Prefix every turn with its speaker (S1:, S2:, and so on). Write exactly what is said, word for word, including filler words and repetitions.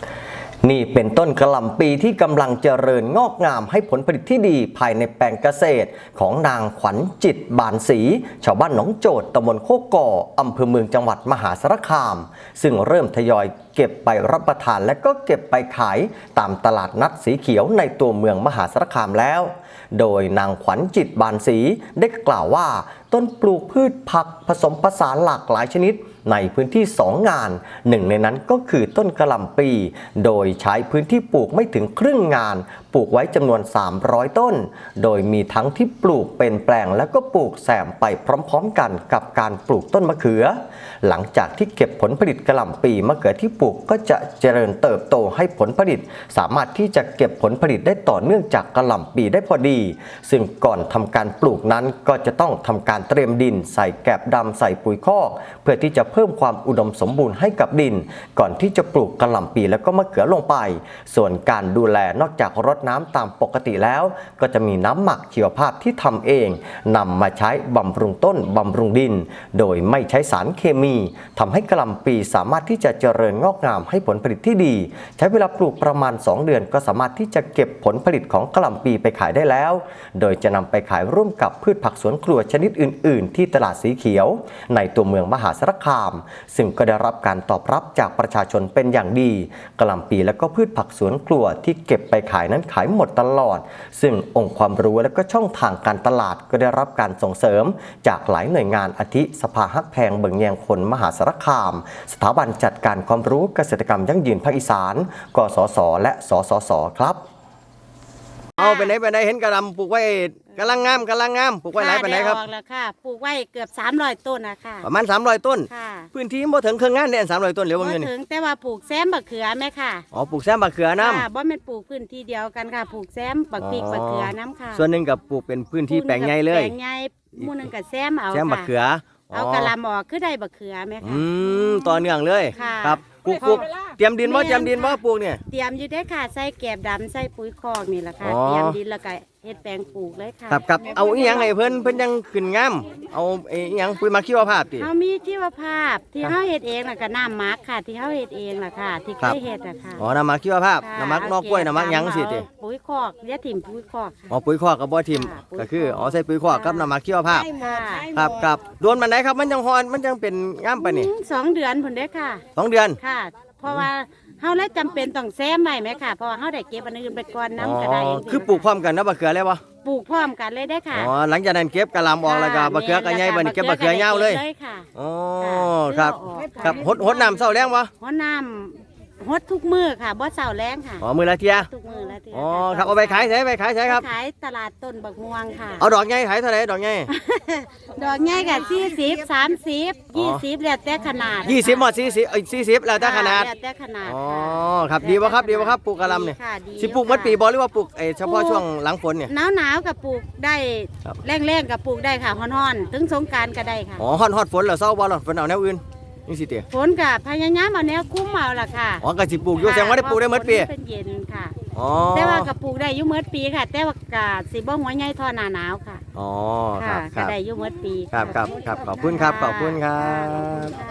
S1: นี่เป็นต้นกระหล่ำปีที่กำลังเจริญงอกงามให้ผลผลิตที่ดีภายในแปลงเกษตรของนางขวัญจิตบานศรีชาวบ้านหนองโจทย์ตำบลโคกก่ออำเภอเมืองจังหวัดมหาสารคามซึ่งเริ่มทยอยเก็บไปรับประทานและก็เก็บไปขายตามตลาดนัดสีเขียวในตัวเมืองมหาสารคามแล้วโดยนางขวัญจิตบานศรีได้กล่าวว่าต้นปลูกพืชผักผสมผสานหลากหลายชนิดในพื้นที่สองงานหนึ่งในนั้นก็คือต้นกระหล่ำปีโดยใช้พื้นที่ปลูกไม่ถึงครึ่งงานปลูกไว้จำนวนสามร้อยต้นโดยมีทั้งที่ปลูกเป็นแปลงแล้วก็ปลูกแซมไปพร้อมๆกันกับการปลูกต้นมะเขือหลังจากที่เก็บผลผลิตกระหล่ำปีมะเขือที่ปลูกก็จะเจริญเติบโตให้ผลผลิตสามารถที่จะเก็บผลผลิตได้ต่อเนื่องจากกระหล่ำปีได้พอดีซึ่งก่อนทำการปลูกนั้นก็จะต้องทำการเตรียมดินใส่แกบดำใส่ปุ๋ยคอกเพื่อที่จะเพิ่มความอุดมสมบูรณ์ให้กับดินก่อนที่จะปลูกกระหล่ำปีแล้วก็มะเขือลงไปส่วนการดูแลนอกจากรดน้ำตามปกติแล้วก็จะมีน้ำหมักชีวภาพที่ทำเองนำมาใช้บำรุงต้นบำรุงดินโดยไม่ใช้สารเคมีทำให้กระหล่ำปีสามารถที่จะเจริญงอกงามให้ผลผลิตที่ดีใช้เวลาปลูกประมาณสองเดือนก็สามารถที่จะเก็บผลผลิตของกระหล่ำปีไปขายได้แล้วโดยจะนำไปขายร่วมกับพืชผักสวนครัวชนิดอื่นๆที่ตลาดสีเขียวในตัวเมืองมหาสารคามซึ่งก็ได้รับการตอบรับจากประชาชนเป็นอย่างดีกระหล่ำปีและก็พืชผักสวนครัวที่เก็บไปขายนั้นขายหมดตลอดซึ่งองค์ความรู้และก็ช่องทางการตลาดก็ได้รับการส่งเสริมจากหลายหน่วยงานอาทิสภาฮักแพงเบิ่งแยงคนมหาสารคามสถาบันจัดการความรู้เกษตรกรรมยั่งยืนภาคอีสานกสศและสสสครับเอาไปไหนไปไหนเห็นกระหล่ำปลูกไว้กำลังงามกำลังงามปลูกไว้ไหนไปไหนครับ
S2: แล้วค่ะปลูกไว้เกือบสามร้อยต้นนะคะ
S1: ประมาณสามร้อยต้น
S2: ค่ะ
S1: พื้นที่บ่ถึงครึ่งงานเนี่ยสามร้อยต้นเหลือบ่อยู่นี่
S2: บ่ถึงแต่ว่าปลูกแซมบักเขือแม่ค่ะ
S1: อ๋อปลูกแซมบักเขือน้ำ
S2: บ่แม่นปลูกพื้นที่เดียวกันค่ะปลูกแซมบักพริกบักเขือน้ำค่ะ
S1: ส่วนหนึ่งกับปลูกเป็นพื้นที่แปลงใหญ่เลย
S2: แปลงใหญ่หมู่นึงกับแซมเอา
S1: แซมบักเขือ
S2: เอากะหล่ำออกคือได้บักเขือแม่ค่ะ
S1: อืมต่อเนื่องเลยครับปลูกปลูกเตรียมดินบ่เตรียมดินบ่ปลูกเนี่ย
S2: เตรียมอยู่ได้ค่ะใส่แกบดำใส่ปุ๋ยคอกนี่แหละค่ะเตรียมดินแล้วก็เฮ็ดแปลงปลูกเลยค่ะ
S1: ครับครับเอาอีหยังให้เพิ่นเพิ่นยังขึ้นงามเอาอีหยังปุ๋ยหมักชีวภาพติ
S2: เฮามีชีวภาพที่เฮาเฮ็ดเองแล้วก็น้ำหมักค่ะที่เฮาเฮ็ดเองล่ะค่ะที่เคยเฮ็ดอ่ะค่ะ
S1: อ๋อน้ำหมักชีวภาพน้ำหมักนอกกล้วยน้ำหมักหยังสิติ
S2: ปุ๋ยคอกเรียกถิ่มปุ๋ยคอก
S1: อ๋อปุ๋ยคอกกับบ่ถิ่มก็คืออ๋อใส่ปุ๋ยคอกกับน้ำหมักชีวภาพครับครับโดนมันไหนครับมันยังฮอนมันยังเป็นงามปานนี้
S2: สองเดือนพุ่นเด้ค่ะ
S1: สองเดือน
S2: ค่ะเพราะว่าเฮาเลยจำเป็นต้องแซมไว้ไหมค่ะเพราะว่าเฮาได้เก็บอันอื่นไปก่อนน้ำก็ได้
S1: คือปลูกพร้อมกันนะบักเขือเลยบ่
S2: ปลูกพร้อมกันเลยได้ค่ะ
S1: อ๋อหลังจากนั้นเก็บกะหล่ำออกแล้วก็บักเขือก็ใหญ่บัดนี้เก็บบักเขือยาวเลยอ๋อครับครับหดหดน้ำเช้าแรงบ่
S2: หดน้ำหดทุกมื้อค่ะบ่เช้าแรงค่ะ
S1: อ๋อมื้อละเที่ย
S2: ทุกมื้อละเที่ย
S1: อ๋อครับเอาไปขายไสไปขายไสครับ
S2: ขายตลาดต้นบักม่วงค่ะ
S1: เอาดอกใหญ่ขายเท่าไหร่ดอกใหญ่
S2: ดอกใหญ่ก็สี่สิบ สามสิบ ยี่สิบแล้วแต่ขนาด
S1: ยี่สิบหมดสี่สิบเอ้ยสี่สิบแล้วแต่ขนาด
S2: แล้วแต่ขนาด
S1: อ๋อครับดีบ่ครับดีบ่ครับปลูกกะหล่ำนี่สิปลูกหมดปีบ่หรือว่าปลูกไอ้เฉพาะช่วงหลังฝนเนี่ย
S2: หนาวๆก็ปลูกได้แรงๆก็ปลูกได้ค่ะฮ้อนๆถึงสงกรานต์ก็ได้ค่ะ
S1: อ๋อฮ้อนๆฝนแล้วเซาบ่ล่ะฝนเอาแนวอื่นนี่สิเต
S2: ฝนกับพยายามเอาแนวคุ้มเอาล่ะค่ะ
S1: อ๋อก็สิปลูกอยู่แสดงว่าได้ปลูกได้หมดปี
S2: เป็นเย็นค่ะ
S1: อ๋อ
S2: แต่ว่าก็ปลูกได้อยู่หมดปีค่ะแต่ว่าก็สิบ่หัวใหญ่ทอหน้าหนาวค่ะ
S1: อ๋อครับ
S2: ก็ได้อยู่หมดปี
S1: ครับครับครับขอบคุณครับขอบคุณครับ